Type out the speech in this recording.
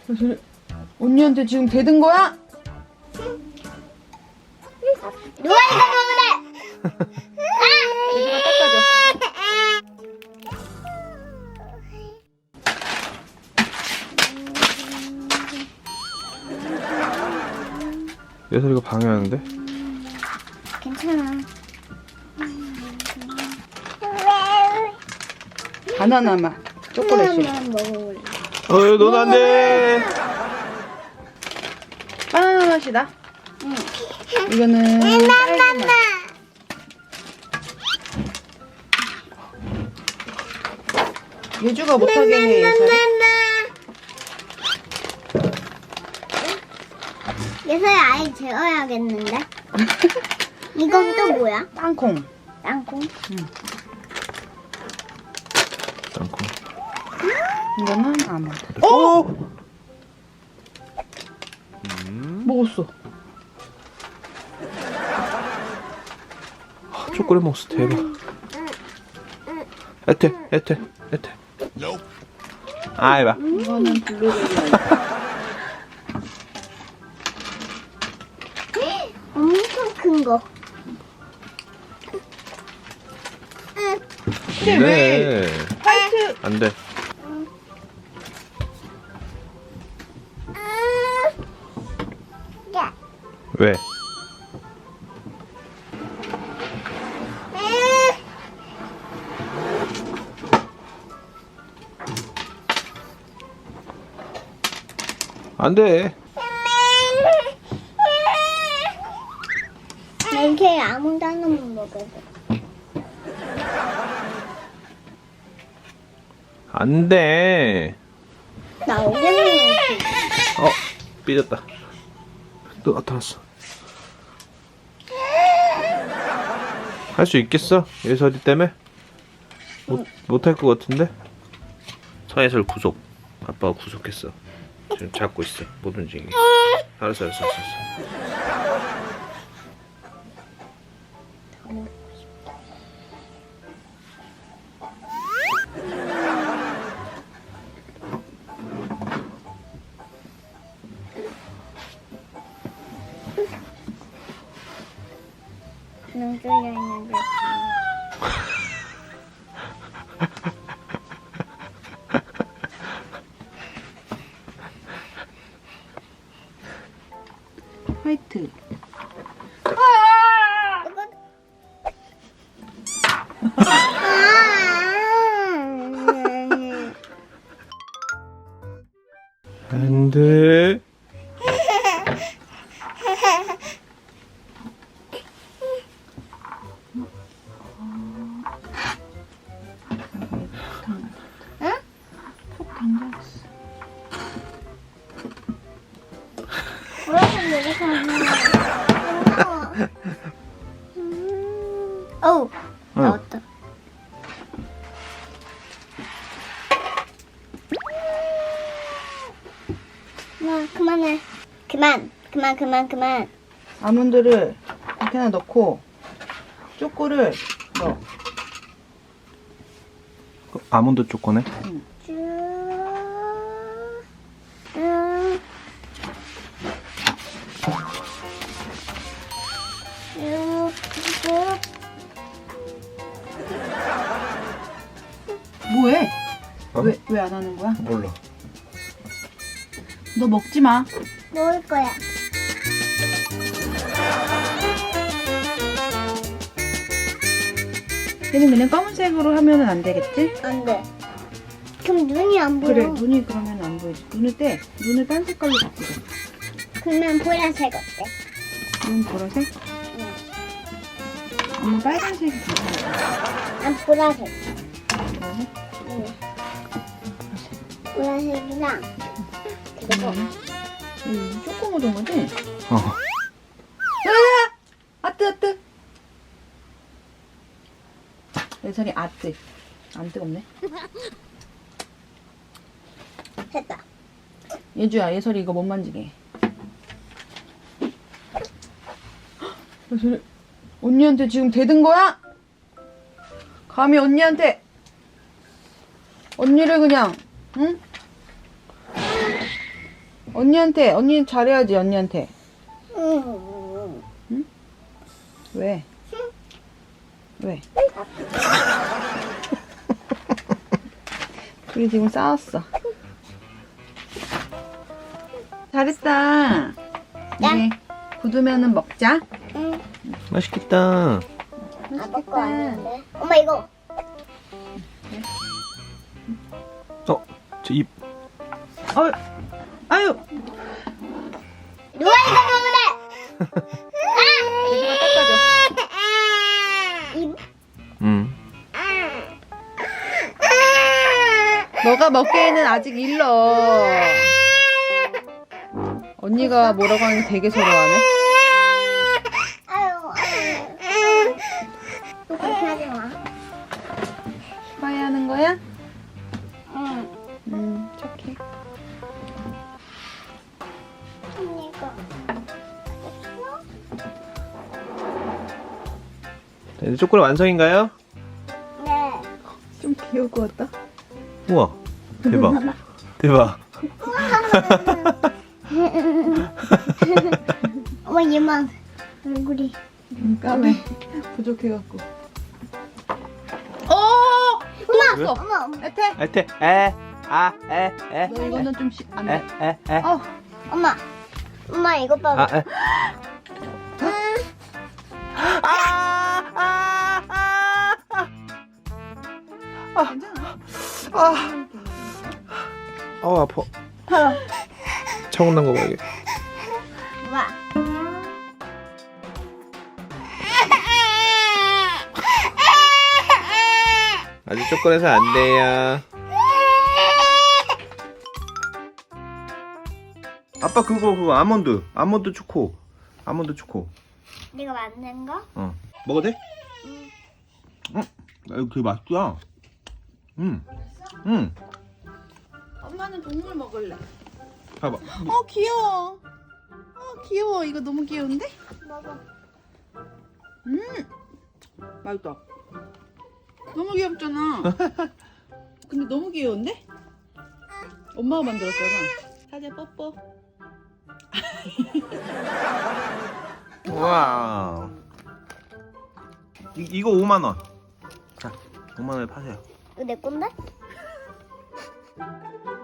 그래서 언니한테 지금 대든 거야? 누가 이거 먹으래? 예준아 닦아줘. 예설이가 방해하는데? 괜찮아. 바나나 맛 초콜릿이. 하나만 먹어볼래. 넌 안 돼! 바나나 맛이다. 응. 이거는 딸기 맛. 예주가 못하게 해. 예서야 아예 재워야겠는데? 이건 또 뭐야? 땅콩. 땅콩? 땅콩. 이거는 아몬드. 오! 먹었어. 초콜릿 먹었어. 대박. 애태. 아이 봐. 이거는 블루베리. 엄청 큰 거. 근데 왜 화이트 안 돼. 왜? 안 돼. 나 이렇게 아무도 하나만 먹어도. 안 돼. 나 오겠네. 삐졌다. 또 나타났어. 할 수 있겠어? 예설이 때문에? 못할 것 같은데? 서예설 구속. 아빠가 구속했어. 지금 잡고 있어. 못 움직이게. 알았어. 눈 뚫려 있는데. 화이트. 안 돼. 푹 담가있어. 보라색 이렇게 하면. 어우, 나왔다. 그만해. 그만. 아몬드를 이렇게나 넣고 초코를 넣어. 아몬드 초코네? 쭉. 뭐해? 어? 왜 안 하는 거야? 몰라. 너 먹지 마. 먹을 거야. 얘는 그냥 검은색으로 하면은 안 되겠지? 안 돼. 그럼 눈이 안 보여. 그래, 눈이 그러면 안 보이지. 눈을 딴 색깔로 바꾸자. 그러면 보라색 어때? 눈 보라색? 응. 엄마 빨간색이 괜찮아. 난 보라색. 보라색? 응. 보라색이랑 그리고 조금 묻은 거지? 어. 아뜨. 예선이 아뜨. 안 뜨겁네. 됐다. 예주야, 예설이 이거 못 만지게 해. 예설이 언니한테 지금 대든 거야? 감히 언니한테 언니를 그냥 응? 언니는 잘해야지, 언니한테. 왜? 왜? 둘이 지금 싸웠어. 잘했다. 이제 굳으면은 먹자. 응. 맛있겠다. 아빠 거 아닌데. 엄마 이거. 저 입. 아유. 누가 이거 먹으래? 이거 닦아줘. 너가 먹기에는 아직 일러. 언니가 뭐라고 하는 게 되게 서러워하네. 또 그렇게 하지 마. 빠이 하는 거야? 응. 착해. 이거. 자, 이제 초콜릿 완성인가요? 네. 좀 귀여울 것 같다. 우와, 대박. 대박. 엄마 얘만 얼굴이. 까매. 부족해갖고. 왜? 엄마. 애태. 하여튼 에. 너 이거는 좀 안 돼. 에. 엄마 이거 봐봐. 에. 괜찮아. 아파. 차고 난 거 봐, 이게. 봐. 아직 초콜릿은 안 돼요. 아빠 그거 아몬드 초코. 내가 만든 거? 먹어도 돼? 응. 이거 되게 맛있다. 응. 엄마는 동물 먹을래. 봐봐. 귀여워. 귀여워. 이거 너무 귀여운데? 먹어. 맛있다. 너무 귀엽잖아. 근데 너무 귀여운데? 엄마가 만들었잖아. 사자 뽀뽀. 와. 이거 5만 원. 자, 5만 원에 파세요. 이거 내 건데?